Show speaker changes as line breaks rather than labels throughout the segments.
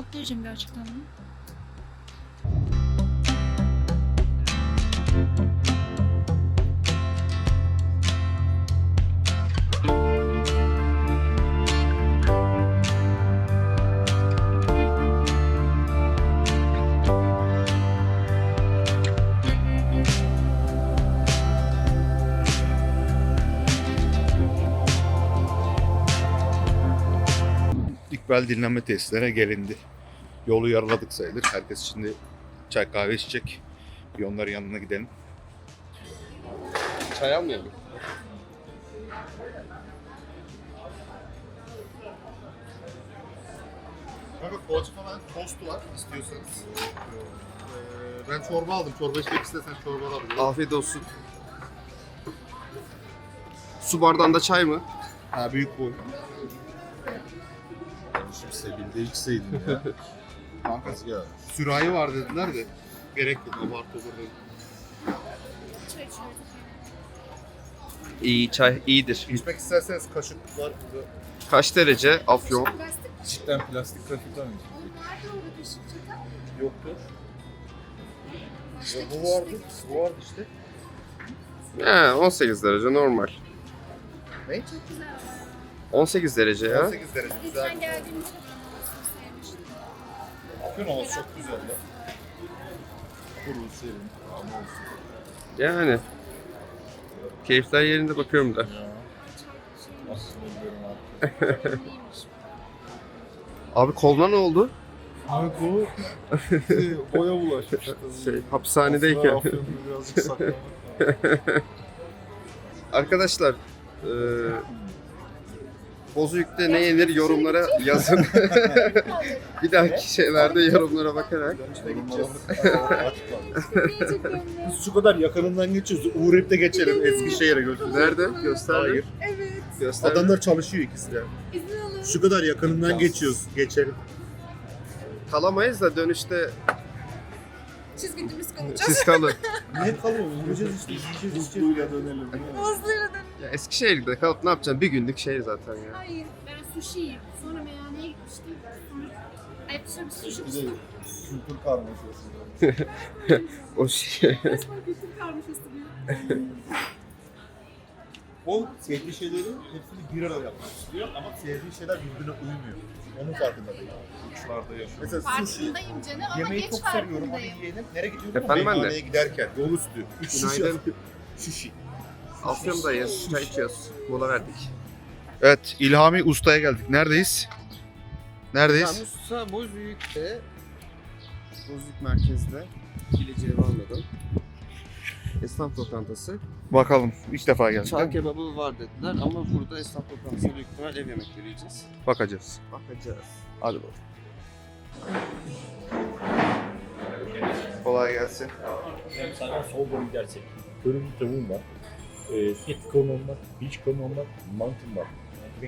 Not vereceğim gerçekten mi?
İkbal dinlenme tesislerine gelindi. Yolu yarıladık sayılır. Herkes şimdi çay kahve içecek. Bir onların yanına gidelim.
Çay almayalım.
Kanka poğaça falan tostu var istiyorsanız. Ben çorba aldım. Çorba içmek istersen çorba alabilirim.
Afiyet olsun. Su bardağında çay mı?
Ha büyük boy.
Şimdi Sebil'de içseydin ya.
Kankası ya. Sürahi var dediler de. Gerek yok. Abartı olur dedim.
Çay içiyoruz.
İyi çay iyidir.
İçmek isterseniz kaşık var burada.
Kaç derece Afyon?
Plastik.
Cidden plastik kaşıklar mı?
Nerede orada kaşık çatal?
Yoktur. Ya bu vardı. Bu vardı işte.
He 18 derece normal.
Ne?
Çok güzel var.
18 derece ya.
18 derece güzel.
Geçen geldiğimizde sevmiştim.
Afyon havası çok güzel ya. Kuru, serin, ama olsun.
Yani. Keyifler yerinde bakıyorum da.
Ya. Nasıl biliyorum abi.
İyiymiş.
Abi koluna ne oldu?
Abi bu boya bulaşmıştı.
Hapishanedeyken.
Afyon'da birazcık saklamak.
Arkadaşlar Bozüyük'te ne yenir yorumlara yazın. Bir dahaki şeylerde yorumlara bakarak.
Biz şu kadar yakınından geçiyoruz. Uğrayıp da geçelim Eskişehir'e götürürüz.
Nerede? Göster.
Hayır.
Evet.
Göster.
Adamlar çalışıyor ikisi de.
İzin alın.
Şu kadar yakınından geçiyoruz. Geçelim.
Kalamayız da dönüşte
Çizgicimiz kalacağız.
siz kalın.
Niye kalıyoruz? Yürüyeceğiz işte. Yiyeceğiz içeceğiz.
Usluyla dönelim.
Hızlıyla dön.
Ya Eskişehir'de kalıp ne yapacaksın? Bir günlük şehir zaten ya.
Hayır. Ben sushi yiyip sonra meyhaneye gitmiştim. Sonra sonra bir sushi
Bir de
içtim.
kültür karmaşası.
O şey.
Resmen kültür karmaşası diyor.
O sevdiği şeyleri hepsini bir arada yapmak istiyor ama sevdiği şeyler birbirine uymuyor. Onun farkında değil.
Uçlarda yaşıyor.
Mesela sushi.
Farkındayım canım ama
Yemeği
geç
çok seviyorum. Hadi
farkındayım.
yiyelim. Nereye gidiyorum?
Efendim anne?
Meyhaneye giderken. Yol üstü. 3 şişe.
Günaydın.
Sushi.
Afyon'dayız. Çay içiyoruz. Mola verdik.
Evet, İlhami Usta'ya geldik. Neredeyiz? Neredeyiz?
Musa Bozüyük'te Bozüyük merkezde Bileceği varmadan esnaf lokantası.
Bakalım. İlk defa geldik.
Çağ kebabı var dediler ama burada esnaf lokantası büyük ihtimal ev yemekleri yiyeceğiz.
Bakacağız.
Bakacağız.
Hadi bakalım. Kolay gelsin.
Sana soğuk gidersek. Körün tavuğum var. Et kavunum var. Beach kavunum var. Mantım var.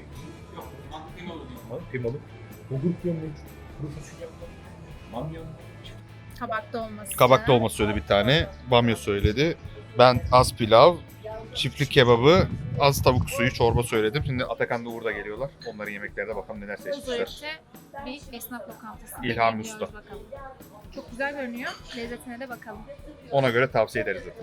Kıymalı. Bulgur kıymalı. Kuru fasulye var. Bamya var.
Kabak dolması.
Kabak dolması söyledi bir tane. Bamya söyledi. Ben az pilav, çiftlik kebabı, az tavuk suyu, çorba söyledim. Şimdi Atakan da Uğur da geliyorlar. Onların yemeklerine bakalım neler seçmişler.
Bozüyük'te bir esnaf lokantası.
İlhami
Bekliyoruz
Usta.
bakalım. Çok güzel görünüyor. Lezzetine de bakalım.
Ona göre tavsiye ederiz zaten.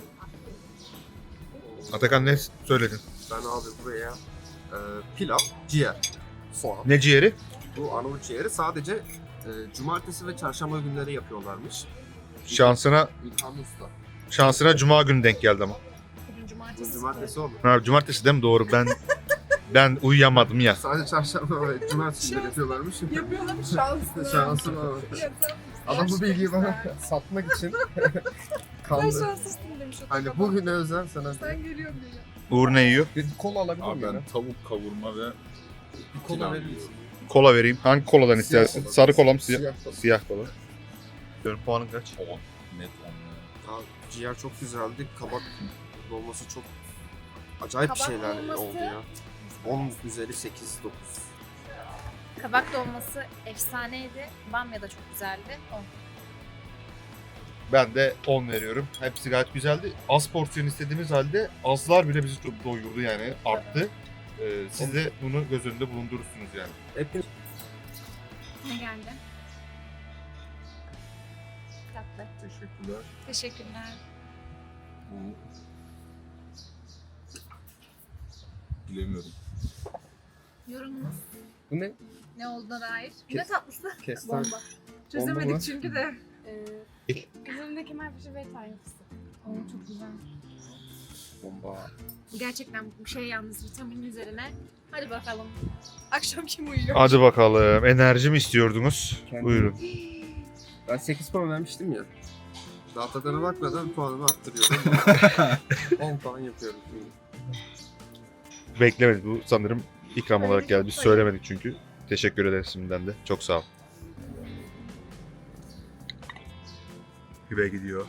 Atakan ne söyledin?
Ben abi buraya pilav, ciğer, soğan.
Ne ciğeri?
Bu Arnavut ciğeri sadece cumartesi ve çarşamba günleri yapıyorlarmış.
Şansına
İlhami Usta.
cuma günü denk geldi ama.
Bugün
Bu
cumartesi.
cumartesi oldu.
Ha, cumartesi değil mi? Doğru. Ben uyuyamadım ya.
Sadece çarşamba ve cumartesi günleri yapıyorlarmış.
Yapıyorlar mı şanslı?
Şansım abi. Adam bu bilgiyi bana satmak için
Ben
kandı.
şanslısın demiş.
Hani bugüne özel sana
Sen geliyorum diye.
Uğur ne yiyor?
bir kola alabilir
Abi
miyim?
ben tavuk kavurma ve
Bir kola verir misin?
Kola vereyim. Hangi koladan istersin?
kola.
Sarı kola mı?
Siyah kola.
Siyah kola. Diyorum puanın kaç?
10. Net 10 ya.
Abi, ciğer çok güzeldi. Kabak dolması çok acayip
Kabak
şeyler
dolması-
oldu ya. 10 üzeri 8-9.
Kabak dolması efsaneydi. Bamya da çok güzeldi.
Ben de 10 veriyorum. Hepsi gayet güzeldi. Az porsiyon istediğimiz halde azlar bile bizi çok doyurdu yani. Arttı. Siz de bunu göz önünde bulundurursunuz yani.
Hepiniz
Ne geldi? tatlı.
Teşekkürler.
Teşekkürler.
Bilemiyorum.
Yorumunuz
Bu ne?
ne olduğuna dair?
Kes-
Ne tatlısı?
Kestane.
Bomba.
Bomba
Çözemedik
mı?
çünkü de.
İl.
Üzerinde kemerpaşa ve tayin fıstık. Oo çok güzel.
Bomba.
Bu gerçekten bir şey yalnız vitamin üzerine. Hadi bakalım. Akşam kim uyuyor?
Hadi bakalım. Enerji mi istiyordunuz?
Kendim-
Buyurun.
Ben 8 puan vermiştim ya. Daha tadına bakmadan puanımı arttırıyorum. 10 puan yapıyorum şimdi.
Beklemedik. Bu sanırım ikram olarak geldi. Biz söylemedik çünkü. Teşekkür ederiz şimdiden de. Çok sağ ol. Güve gidiyor.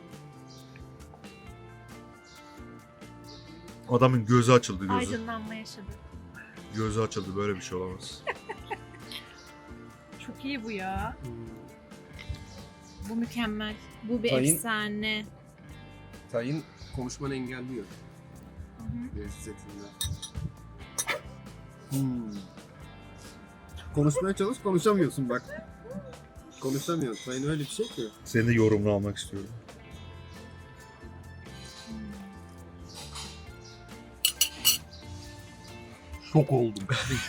Adamın gözü açıldı gözü.
Aydınlanma yaşadı.
Gözü açıldı. Böyle bir şey olamaz.
Çok iyi bu ya. Bu mükemmel. Bu bir
Tayin-
efsane.
Tayin konuşmanı engelliyor.
Hı hı.
Lezzetinden. Konuşmaya çalış, konuşamıyorsun bak. Konuşamıyorsun. Tayin öyle bir şey ki.
Senin de yorumunu almak istiyorum.
Şok oldum.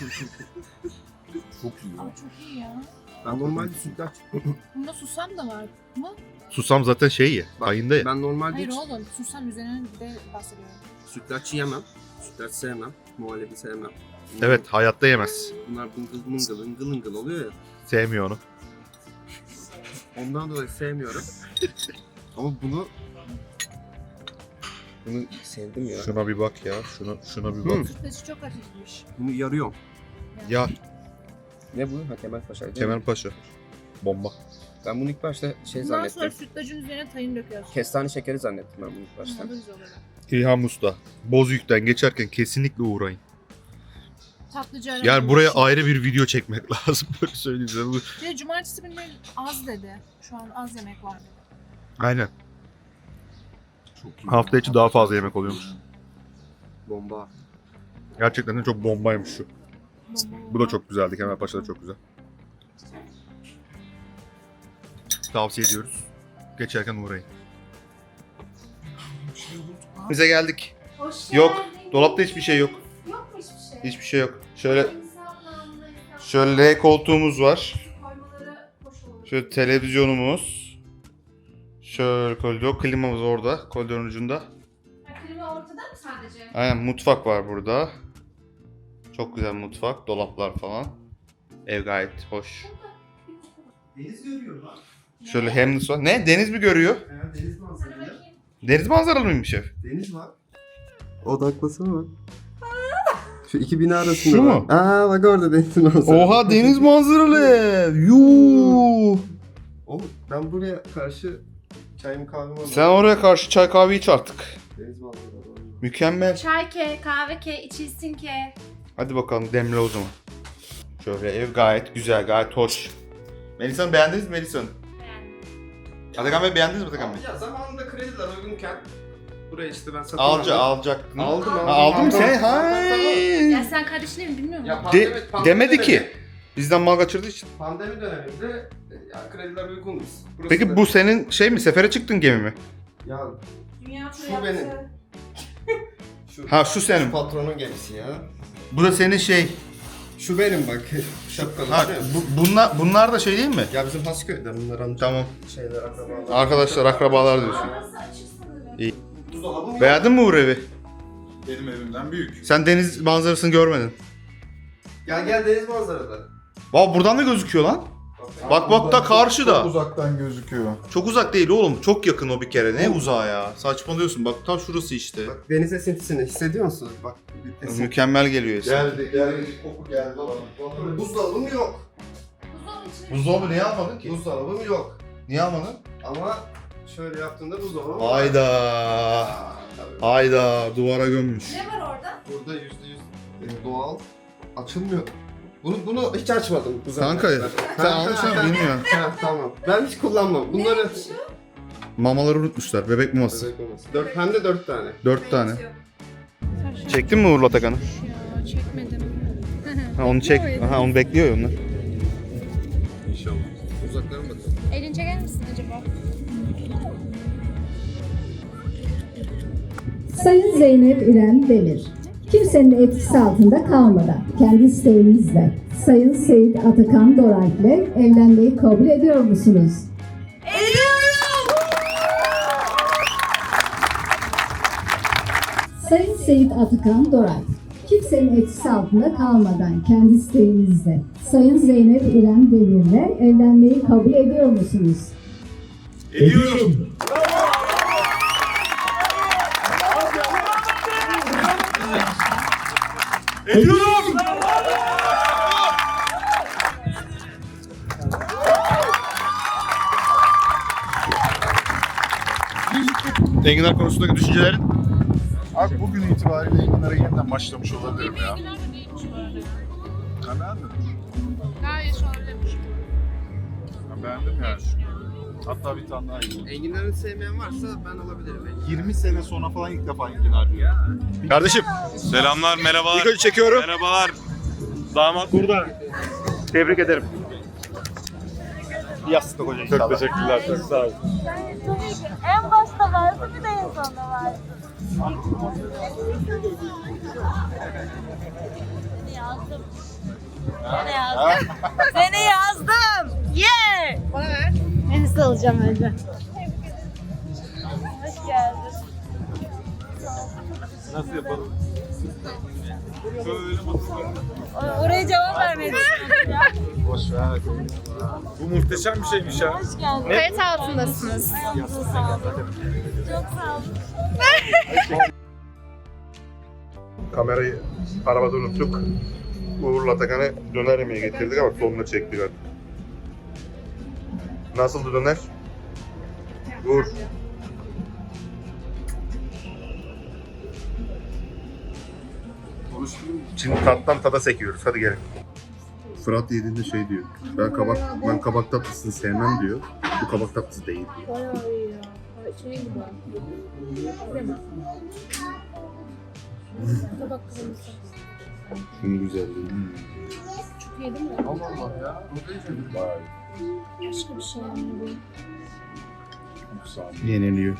Çok iyi.
Aa, çok iyi ya.
Ben normalde sütlaç...
Bunda susam da var mı?
Susam zaten şey ya.
Bak,
Tayinde ya.
Ben normalde
Hayır
hiç
oğlum. Susam üzerine bir de bahsediyorum.
sütlaç yemem. Sütlaç sevmem. Muhallebi sevmem.
Evet, hayatta yemez.
Bunlar ıngıl ıngıl oluyor ya.
Sevmiyor onu.
Ondan dolayı sevmiyorum. Ama bunu sevdim ya.
Şuna bir bak ya. Şuna bir bak.
Hı.
Sütlaçı çok hafifmiş.
Bunu yarıyorum.
Ya
Ne bu? Ha Kemalpaşa.
Kemalpaşa. Bomba.
Ben bunu ilk başta şey
Bundan sonra
zannettim.
sütlacın üzerine tayin döküyorsun.
Kestane şekeri zannettim ben bunu ilk başta.
Hı, bu güzel oluyor.
İlham Usta. Bozüyük'ten geçerken kesinlikle uğrayın.
Tatlıcı
Yani buraya ayrı bir video çekmek lazım. Böyle söyleyeyim size. Bu-
Bir de cumartesi günleri az dedi. Şu an az yemek var dedi.
Aynen.
Çok iyi.
Hafta içi daha fazla yemek oluyormuş.
Bomba.
Gerçekten de çok bombaymış şu.
Bomba.
Bu da çok güzeldi. Kemalpaşa da çok güzel. Tavsiye ediyoruz. Geçerken uğrayın. Bize geldik.
Hoş
Yok.
geldin.
Dolapta hiçbir şey yok.
Yok mu hiçbir şey?
Hiçbir şey yok. Şöyle
İnsanlarla
şöyle koltuğumuz var.
koymaları hoş olur.
Şöyle televizyonumuz. Şöyle koridor. Klimamız orada. Koridorun ucunda.
Ha, klima ortada mı sadece?
Aynen mutfak var burada. Çok güzel mutfak. Dolaplar falan. Ev gayet hoş.
Deniz görüyor lan.
Şöyle Hamlet var. Ne? Deniz mi görüyor?
Deniz
Sana
manzaralı.
bakayım.
Deniz manzaralı mıymış ev?
Deniz var. Odaklasana bak. Şu iki bina arasında.
Şu
bak.
mu?
Aa bak orada deniz manzaralı.
Oha deniz manzaralı ev. Yuuu.
Oğlum ben buraya karşı çayımı kahvemi alayım.
Sen oraya karşı çay kahve iç artık.
Deniz manzaralı.
Mükemmel.
Çay ke, kahve ke, içilsin ke.
Hadi bakalım demle o zaman. Şöyle ev gayet güzel, gayet hoş. Melisa'nı beğendiniz mi Melisa'nı? Atakan Bey beğendiniz mi Atakan Bey?
Ya zamanında krediler uygunken buraya işte ben satın
Alacaktın.
Aldım.
Ha, aldın mı sen?
Ya sen kardeşini mi bilmiyor musun?
Ya
Demedi ki. Bizden mal kaçırdığı için.
Pandemi döneminde ya krediler uygundu. Burası
Peki
da-
bu senin şey mi? Sefere çıktın gemi mi?
Ya
Dünya
Şu
turu yaptı.
benim. şu,
Ha şu senin.
patronun gemisi ya.
Bu da senin şey.
Şu benim bak. Şapkalı.
Ha,
değil mi?
bunlar da şey değil mi?
Ya bizim Hasköy'den bunlar amca
Tamam.
şeyler akrabalar.
Arkadaşlar akrabalar diyorsun.
Burası açık sanırım.
İyi.
Buzdolabı mı?
Beğendin mi Uğur evi?
Benim evimden büyük.
Sen deniz manzarasını görmedin.
Gel deniz manzarada.
Valla buradan da gözüküyor lan. Bak da karşıda.
Çok uzaktan gözüküyor.
Çok uzak değil oğlum. Çok yakın o bir kere. Ne uzağa ya? Saçmalıyorsun. Bak tam şurası işte.
Bak deniz esintisini hissediyor musunuz? Bak bir esinti.
Mükemmel geliyor esin.
Geldi. Koku geldi bana.
Buzdolabım yok.
Buzdolabı içine
Buzdolabı niye almadın ki?
Buzdolabım yok.
Niye almadın?
Ama şöyle yaptığında buzdolabı var.
Hayda.
Aa, tabii.
Hayda. Duvara gömmüş.
ne var orada?
Burada %100 doğal açılmıyor. Bunu hiç açmadım. Bu zamana
Kanka
kadar.
sen almışsın bilmiyorum.
Ha, tamam. Ben hiç kullanmam. Bunları
Mamaları unutmuşlar. Bebek maması.
hem de 4 tane.
4 tane. Çektin mi Uğur'la Atakan'ı?
Ya çekmedim.
Ha onu çek. Aha onu bekliyor ya onlar.
İnşallah.
Uzaklara mı bakalım?
Elin çeker misin acaba?
Sayın Zeynep İrem Demir, kimsenin etkisi altında kalmadan kendi isteğinizle Sayın Seyit Atakan Doralp'le evlenmeyi kabul ediyor musunuz? Sayın Seyit Atakan Doralp, kimsenin etkisi altında kalmadan kendi isteğinizle Sayın Zeynep İrem Demir'le evlenmeyi kabul ediyor musunuz?
Ediyorum. Ediyorum.
Enginar konusundaki düşüncelerin?
Abi bugün itibariyle Enginar'a yeniden başlamış olabilirim ya.
Enginar da değilmiş bu arada.
Ben beğendim.
Gayet şöyleymiş.
Ben beğendim yani. Hatta bir tane daha yiyeyim.
Enginar'ı sevmeyen varsa ben alabilirim.
20 sene sonra falan ilk defa enginar yiyor.
Kardeşim,
Selamlar, merhabalar.
ilk önce çekiyorum.
Merhabalar. Damat burada.
Tebrik ederim. Yastık hoca inşallah.
Çok teşekkürler, çok sağ olun.
Tabii ki en başta vardı bir de en sonda vardı. Seni yazdım. Seni yazdım. Seni yazdım. Yeah!
Bana ver.
Henüz alacağım önce. Hoş geldin.
Nasıl yapalım?
Oraya cevap vermedi.
Boş ver.
Bu muhteşem bir şeymiş ya.
Hoş geldin.
Kayıt altındasınız.
Ayağınıza sağlık. Çok sağ olun.
Kamerayı arabada unuttuk. Uğur'la Atakan'ı döner yemeğe getirdik ama sonuna çektik artık. Nasıldı döner? Uğur. Şimdi tattan tada sekiyoruz. Hadi gelin. Fırat yediğinde şey diyor. Ben kabak tatlısını sevmem diyor. Bu kabak tatlısı değil diyor.
Bayağı iyi ya. Şey gibi. Krema. Tabak kreması.
Şunun güzelliği.
Çok iyi değil mi?
Allah Allah ya.
Başka bir şey yani bu.
Yeniliyor.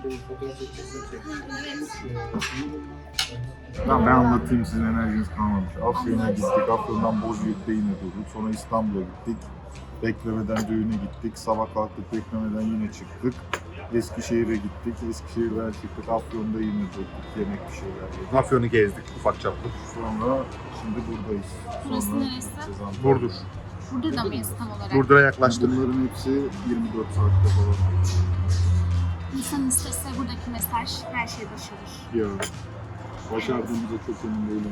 Ben anlatayım, sizin enerjiniz kalmamış. Afyon'a gittik, Afyon'dan Bozüyük'te yine durduk. Sonra İstanbul'a gittik. Beklemeden düğüne gittik. Sabah kalktık, beklemeden yine çıktık. Eskişehir'e gittik. Eskişehir'den çıktık. Afyon'da yine durduk. Yemek bir şeyler yedik.
Afyon'u gezdik ufak çaplı.
Sonra şimdi buradayız.
Burası
Sonra
neresi?
gideceğiz Antalya'ya.
Burdur.
Burada da mıyız tam olarak?
Burdur'a yaklaştık.
Bunların hepsi 24 saatte falan.
İnsan istese buradaki mesaj her şey başarır.
Ya. Başardığımıza çok emin değilim.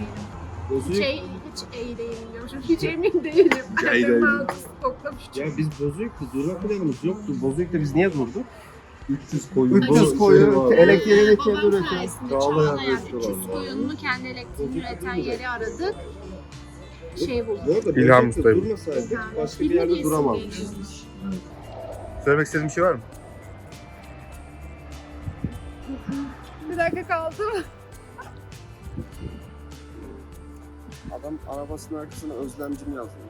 Hiç iyi değilim diyormuşum. Hiç emin değilim.
İyi değilim.
Ben toplamış.
Ya biz Bozüyük'te durma planımız yoktu. Bozüyük'te biz niye durduk?
300 koyun.
300 koyun, elektriğini kendi
Babam
üretiyor.
sayesinde
Çağlayan
Çağlayan
restoran
300
var.
koyununu kendi elektriğini üreten yeri aradık. Şey bulduk.
Bu arada
İlham
Bozüyük'te
Usta'yım.
durmasaydık başka bir yerde duramazdık.
Söylemek istediğin bir şey var mı?
Bir dakika kaldı mı?
Adam arabasının arkasına özlemcim yazmış.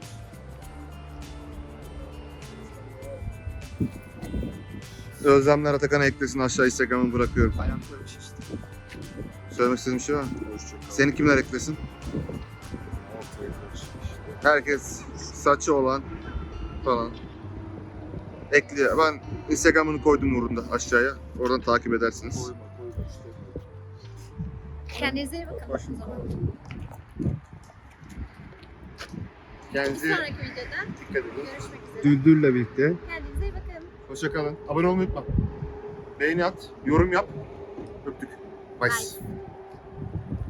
Özlemler Atakan'a eklesin, aşağı Instagram'ı bırakıyorum.
Ayaklarım şişti.
Söylemek istediğin bir şey var mı?
Hoşçakal.
Seni kimler eklesin? Herkes saçı olan falan ekliyor. Ben Instagram'ını koydum Uğur'un da aşağıya. Oradan takip edersiniz.
Koyma işte.
Kendinize iyi bakın. O zaman. Bir
Kendinize
sonraki videoda
dikkat edin.
görüşmek üzere.
Düldül'le birlikte.
Kendinize iyi bakın.
Hoşça kalın. Abone olmayı unutma. Beğeni at, yorum yap. Öptük. Bye.
Bye.